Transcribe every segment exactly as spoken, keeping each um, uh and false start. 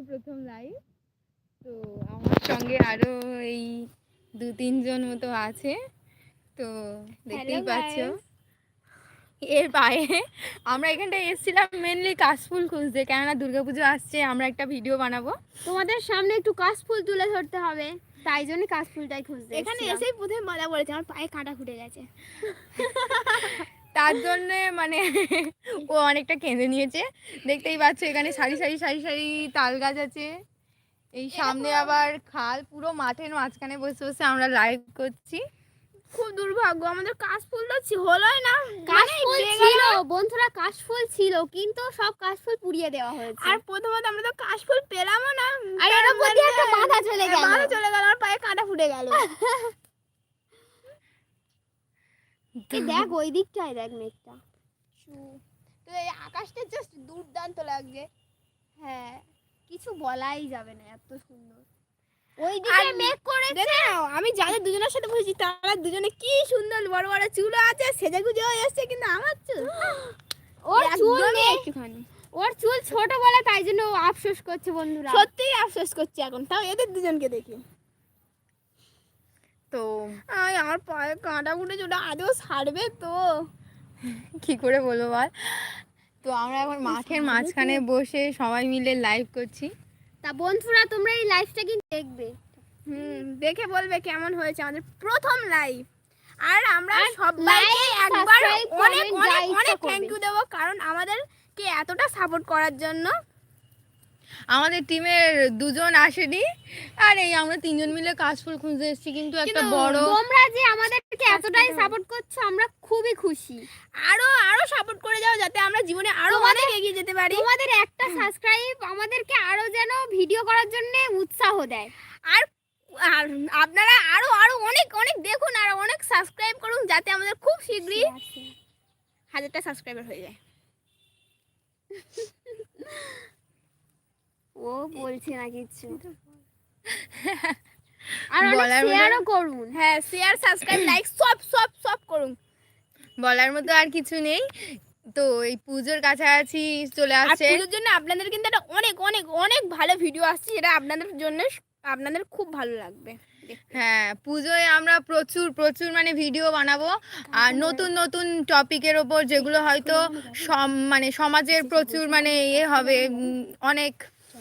প্রথম লাইভ। তো আমার সঙ্গে আরো এই দু তিনজন মতো আছে, তো দেখতেই পাচ্ছ। এর পায়ে আমরা এখানটায় এসেছিলাম মেনলি কাশফুল খুঁজতে, কেননা দুর্গাপুজো আসছে, আমরা একটা ভিডিও বানাবো, তোমাদের সামনে একটু কাশফুল তুলে ধরতে হবে, তাই জন্য কাশফুলটাই খুঁজতে এখানে এসেই প্রথমে মজা করেছে, আমার পায়ে কাঁটা ফুটে গেছে। তার জন্য মানে ও অনেকটা কেঁদে নিয়েছে। দেখতেই পাচ্ছ এখানে সারি সারি সারি সারি তাল গাছ আছে, এই সামনে আবার খাল, পুরো মাঠের মাঝখানে বসে বসে আমরা লাইভ করছি। খুব দুর্ভাগ্য, আমাদের কাশফুল তো হলোই না। কাশফুল ছিল বন্ধুরা, কাশফুল ছিল, কিন্তু সব কাশফুল পুড়িয়ে দেওয়া হয়েছে। আর প্রথমত আমরা তো কাশফুল পেলামও না, আর এর উপর দিয়ে একটা বাধা চলে গেল, বাধা চলে গেল, আমার পায়ে কাঁটা ফুটে গেল। এই দেখ ওই দিকটায় দেখ মেঘটা, তো এই আকাশটা জাস্ট দুর্দান্ত লাগছে। হ্যাঁ কিছু বলাই যাবে না, এত সুন্দর। ওই দিকে মেঘ করেছে। দেখো আমি যাদের দুজনের সাথে বসেছি তারা দুজনে কি সুন্দর বড় বড় চুল আছে, সেজে গুজে এসছে, কিন্তু আমার চুল ওর চুল নেই একটুখানি, ওর চুল ছোট বলে তাই জন্য ও আফসোস করছে বন্ধুরা। সত্যিই আফসোস করছি এখন, তাও এদের দুজনকে দেখি। তো আয় আমার পায়ে কাঁটা ফুটেছে, ওটা আদৌ ছাড়বে তো? কি করে বলবো বল। তো আমরা এখন মাঠের মাঝখানে বসে সবাই মিলে লাইভ করছি। তা বন্ধুরা তোমরা এই লাইভটা কিন্তু দেখবে, হুম, দেখে বলবে কেমন হয়েছে আমাদের প্রথম লাইভ। আর আমরা সবাইকে একবার অনেক অনেক অনেক থ্যাংক ইউ দেবো, কারণ আমাদেরকে এতটা সাপোর্ট করার জন্য। আমাদের টিমের দুজন আসেনি, আর এই আমরা তিনজন মিলে কাশফুল খুঁজতে এসেছি, কিন্তু একটা বড়, তোমরা যে আমাদেরকে এতটাই সাপোর্ট করছো আমরা খুবই খুশি। আরো আরো সাপোর্ট করে যাও, যাতে আমরা জীবনে আরো অনেক এগিয়ে যেতে পারি। তোমাদের একটা সাবস্ক্রাইব আমাদেরকে আরো যেন ভিডিও করার জন্য উৎসাহ দেয়। আর আর আপনারা আরো আরো অনেক অনেক দেখুন, আর অনেক সাবস্ক্রাইব করুন, যাতে আমাদের খুব শীঘ্রই হাজারটা সাবস্ক্রাইবার হয়ে যায়। ও বলছে না কিছু, আর শেয়ারও করুন। হ্যাঁ, শেয়ার সাবস্ক্রাইব লাইক সব সব সব করুন। বলার মতো আর কিছু নেই। তো এই পুজোর কাছাকাছি চলে আসছে, পুজোর জন্য আপনাদের কিন্তু একটা অনেক অনেক অনেক ভালো ভিডিও আসছে, যেটা আপনাদের জন্য আপনাদের খুব ভালো লাগবে। হ্যাঁ, পুজোয় আমরা প্রচুর প্রচুর মানে ভিডিও বানাবো, আর নতুন নতুন টপিকের ওপর, যেগুলো হয়তো মানে সমাজের প্রচুর মানে ইয়ে হবে, অনেক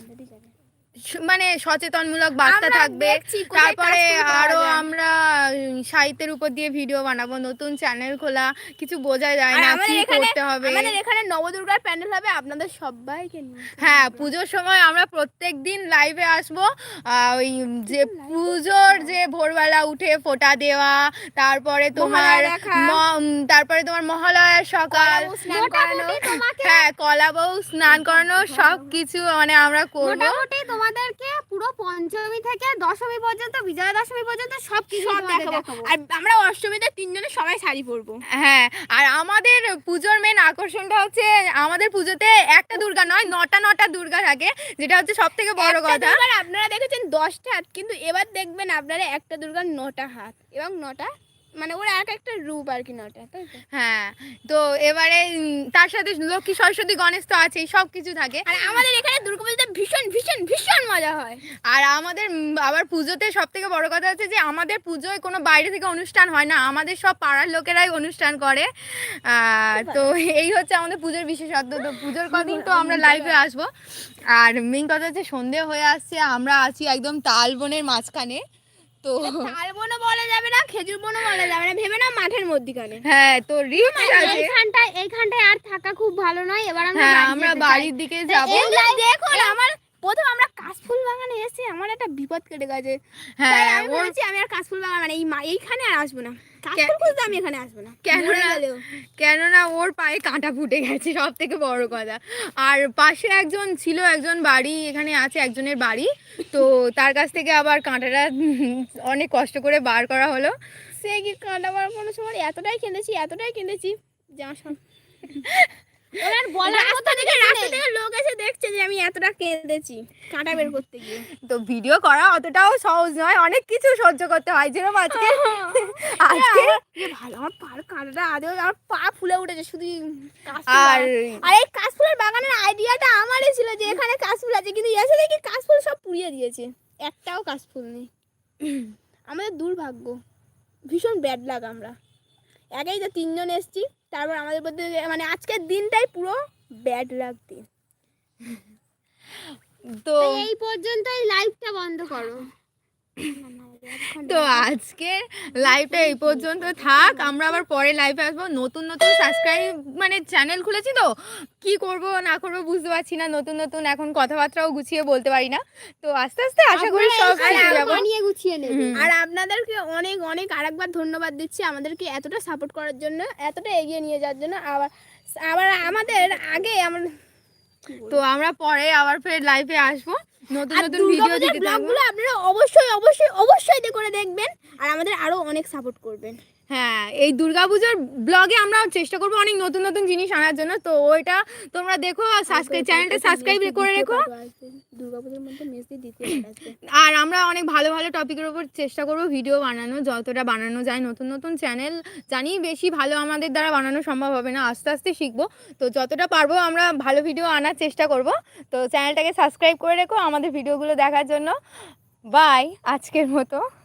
মানে সচেতনমূলক বার্তা থাকবে। তারপরে আরো আমরা সাহিত্যের উপর দিয়ে ভিডিও বানাবো, নতুন চ্যানেল খোলা, কিছু বোঝা যায় না কি করতে হবে। আমাদের এখানে নবদুর্গার প্যান্ডেল হবে, আপনাদের সবাইকে নিয়ে। হ্যাঁ, পুজোর সময় আমরা প্রত্যেক দিন লাইভে আসবো। ওই যে পুজোর যে ভোরবেলা উঠে ফোঁটা দেওয়া, তারপরে তোমার তারপরে তোমার মহালয়ার সকাল, হ্যাঁ কলা বউ স্নান করানো, সব কিছু মানে আমরা করবো। তোমাদেরকে পুরো পঞ্চমী থেকে দশমী পর্যন্ত, বিজয়া দশমী পর্যন্ত সব কিছু দেখাবো। আর আমরা অষ্টমীতে তিনজনে সবাই শাড়ি পরবো। হ্যাঁ, আর আমাদের পুজোর মেন আকর্ষণটা হচ্ছে, আমাদের পুজোতে একটা দুর্গা নয়, নটা নটা দুর্গা থাকে, যেটা হচ্ছে সব থেকে বড় কথা। আপনারা দেখেছেন দশটা হাত, কিন্তু এবার দেখবেন আপনারা একটা দুর্গার নটা হাত এবং নটা মানে ওর এক একটা রূপ আর কি, নটা, তাই তো? হ্যাঁ, তো এবারে তার সাথে লক্ষ্মী সরস্বতী গণেশ তো আছেই, সব কিছু থাকে। আর আমাদের এখানে দুর্গাপুজোতে ভীষণ ভীষণ ভীষণ মজা হয়। আর আমাদের আবার পুজোতে সব থেকে বড় কথা হচ্ছে যে আমাদের পুজোয় কোনো বাইরে থেকে অনুষ্ঠান হয় না, আমাদের সব পাড়ার লোকেরাই অনুষ্ঠান করে। তো এই হচ্ছে আমাদের পুজোর বিশেষত্ব। তো পুজোর কদিন তো আমরা লাইভে আসবো। আর মেইন কথা হচ্ছে সন্ধে হয়ে আসছে, আমরা আছি একদম তাল বনের মাঝখানে। তো তাল বনও বলা যাবে না, খেজুর বনও বলা যাবে না, ভেবে না মাঠের মধ্যখানে। হ্যাঁ, তো রিস্ক আছে এইখানটায় এইখানটায় আর থাকা খুব ভালো নয়। এবার আমরা আমরা বাড়ির দিকে যাবো। দেখুন আমার প্রথম আমরা কাশফুল বাগানে এসে আমার একটা বিপদ কেটে গেছে। হ্যাঁ, আমি বলেছি আমি আর কাশফুল বাগান মানে এই এইখানে আর আসবো না, কাশফুল খুঁজতে আমি এখানে আসবো না। কেননা কেননা ওর পায়ে কাঁটা ফুটে গেছে, সব থেকে বড় কথা। আর পাশে একজন ছিল, একজন বাড়ি এখানে আছে, একজনের বাড়ি, তো তার কাছ থেকে আবার কাঁটাটা অনেক কষ্ট করে বার করা হলো। সে কি কাঁটা বার কোনো সময় এতটাই কেঁদেছি এতটাই কেঁদেছি যে আমার ওনার বলার মতো রাস্তা থেকে কিছু রাস্তা নেই। থেকে লোক এসে দেখছে যে আমি এতটা কেঁদেছি কাঁটা বের করতে গিয়ে। তো ভিডিও করা অতটাও সহজ নয়, অনেক কিছু সহ্য করতে হয়, যেরকম আজকে আজকে এ ভালো, আমার পার কাঁটাটা আদেও আমার পা ফুলে উঠেছে শুধু কাশফুল আর বাগান। আর এই কাশফুলের বাগানের আইডিয়াটা আমারই ছিল যে এখানে কাশফুল আছে, কিন্তু এসে দেখি কাশফুল সব পুড়িয়ে দিয়েছে, একটাও কাশফুল নেই। আমাদের দুর্ভাগ্য, ভীষণ ব্যাড লাগ। আমরা একেই তো তিনজন এসেছি, তারপর আমাদের মধ্যে মানে আজকের দিনটাই পুরো ব্যাড লাগ দিন। তো তো এই পর্যন্তই লাইভটা বন্ধ করো। তো আজকে লাইভটা এই পর্যন্ত থাক, আমরা আবার পরে লাইভে আসবো। নতুন নতুন সাবস্ক্রাইব মানে চ্যানেল খুলেছি, তো কি করব না করব বুঝতে পারছি না, নতুন নতুন এখন কথাবার্তাও গুছিয়ে বলতে পারি না। তো আস্তে আস্তে আশা করি সব শিখে যাবো। বানিয়ে গুছিয়ে নেবে। হুম। আর আপনাদেরকে অনেক অনেক আরেকবার ধন্যবাদ দিচ্ছি আমাদেরকে এতটা সাপোর্ট করার জন্য, এতটা এগিয়ে নিয়ে যাওয়ার জন্য। আবার আবার আমাদের আগে আমরা তো আমরা পরে আবার ফের লাইভে আসবো, নতুন আর নতুন ভিডিও দুর্গাপূজার দিতে থাকবো। ব্লগগুলো আপনারা অবশ্যই অবশ্যই অবশ্যই দিয়ে করে দেখবেন, আর আমাদের আরো অনেক সাপোর্ট করবেন। হ্যাঁ, এই দুর্গাপূজার ব্লগে আমরা চেষ্টা করবো অনেক নতুন নতুন জিনিস আনার জন্য। তো ওইটা তোমরা দেখো, সাবস্ক্রাইব চ্যানেলটা সাবস্ক্রাইব করে রেখো। দুর্গাপূজার মধ্যে মেসি দিতে আসবে। আর আমরা অনেক ভালো ভালো টপিকের উপর চেষ্টা করবো ভিডিও বানানো, যতটা বানানো যায়। নতুন নতুন চ্যানেল জানি বেশি ভালো আমাদের দ্বারা বানানো সম্ভব হবে না, আস্তে আস্তে শিখবো। তো যতটা পারবো আমরা ভালো ভিডিও আনার চেষ্টা করব। তো চ্যানেলটাকে সাবস্ক্রাইব করে রেখো আমাদের ভিডিওগুলো দেখার জন্য। বাই আজকের মতো।